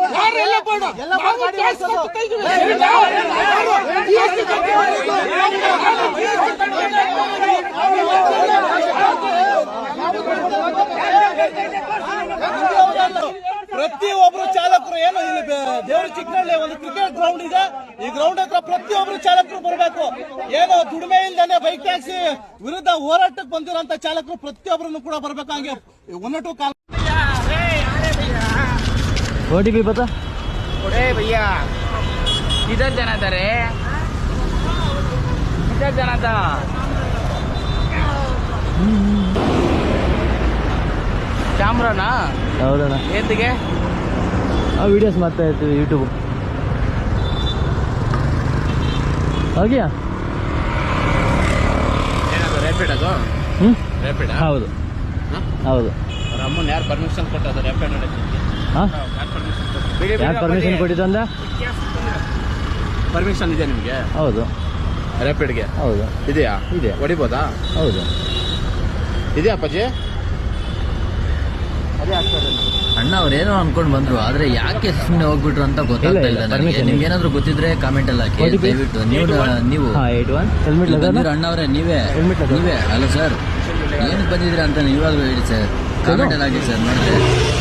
ಪ್ರತಿಯೊಬ್ಬರು ಚಾಲಕರು ಏನು ಇಲ್ಲಿ ದೇವರ ಚಿಕ್ಕನಹಳ್ಳಿ ಒಂದು ಕ್ರಿಕೆಟ್ ಗ್ರೌಂಡ್ ಇದೆ. ಈ ಗ್ರೌಂಡ್ ಹತ್ರ ಪ್ರತಿಯೊಬ್ಬರು ಚಾಲಕರು ಬರಬೇಕು. ಏನು ದುಡಿಮೆ ಇಲ್ದೇನೆ ಬೈಕ್ ಟ್ಯಾಕ್ಸಿ ವಿರುದ್ಧ ಹೋರಾಟಕ್ಕೆ ಬಂದಿರೋಂತ ಚಾಲಕರು ಪ್ರತಿಯೊಬ್ಬರನ್ನು ಕೂಡ ಬರಬೇಕು. ಹಂಗೆ ಒಂದಟು ಕಾಲ OTP पता? अरे भैया किधर जाना था रे? किधर जाना था? ಕ್ಯಾಮ್ರಾನಾ? ಹೌದಣ್ಣ. ಏತಿಗೆ? ಆ ವಿಡಿಯೋಸ್ ಮಾಡ್ತಾ ಇರ್ತೀವಿ ಯೂಟ್ಯೂಬ್. ಹೋಗಿಯಾ? ಏನದು ರ್ಯಾಪಿಡ್ ಅದು? ರ್ಯಾಪಿಡ್? ಹೌದು ಹೌದು. ಅವ್ರ ಅಮ್ಮನ ಯಾರು ಪರ್ಮಿಷನ್ ಕೊಟ್ಟದ ರ್ಯಾಪಿಡ್ ನಡೆಸಲಿಕ್ಕೆ? ಯಾರು ಪರ್ಮಿಷನ್ ಕೊಟ್ಟಿದ್ದು ಅಂದ? ಪರ್ಮಿಷನ್ ಇದೆ ನಿಮಗೆ? ಹೌದು. ರ್ಯಾಪಿಡ್ಗೆ? ಹೌದು. ಇದೆಯಾ? ಇದೆ. ಹೊಡಿಬೋದಾ? ಹೌದು. ಇದೆಯಾ ಅಪ್ಪಾಜಿ? ಅದೇ ಆಗ್ತದೆ. ಅಣ್ಣ ಅವ್ರೇನೋ ಅನ್ಕೊಂಡ್ ಬಂದ್ರು, ಆದ್ರೆ ಯಾಕೆ ಸುಮ್ಮನೆ ಹೋಗ್ಬಿಟ್ರು ಅಂತ ಗೊತ್ತಾಗ್ತಾ ಇಲ್ಲ ನನಗೆ. ನಿಮ್ಗೆ ಏನಾದ್ರು ಗೊತ್ತಿದ್ರೆ ಕಾಮೆಂಟ್ ಎಲ್ಲ ಹಾಕಿ ದಯವಿಟ್ಟು. ನೀವು ಅಣ್ಣ ಅವರೇ ನೀವೇ ಅಲ್ಲ ಸರ್, ಏನಕ್ಕೆ ಬಂದಿದ್ದೀರಾ ಅಂತ ನೀವಾಗ್ಲೂ ಹೇಳಿ ಸರ್, ಕಾಮೆಂಟ್ ಎಲ್ಲ ಹಾಕಿ ಸರ್. ನೋಡಿದ್ರೆ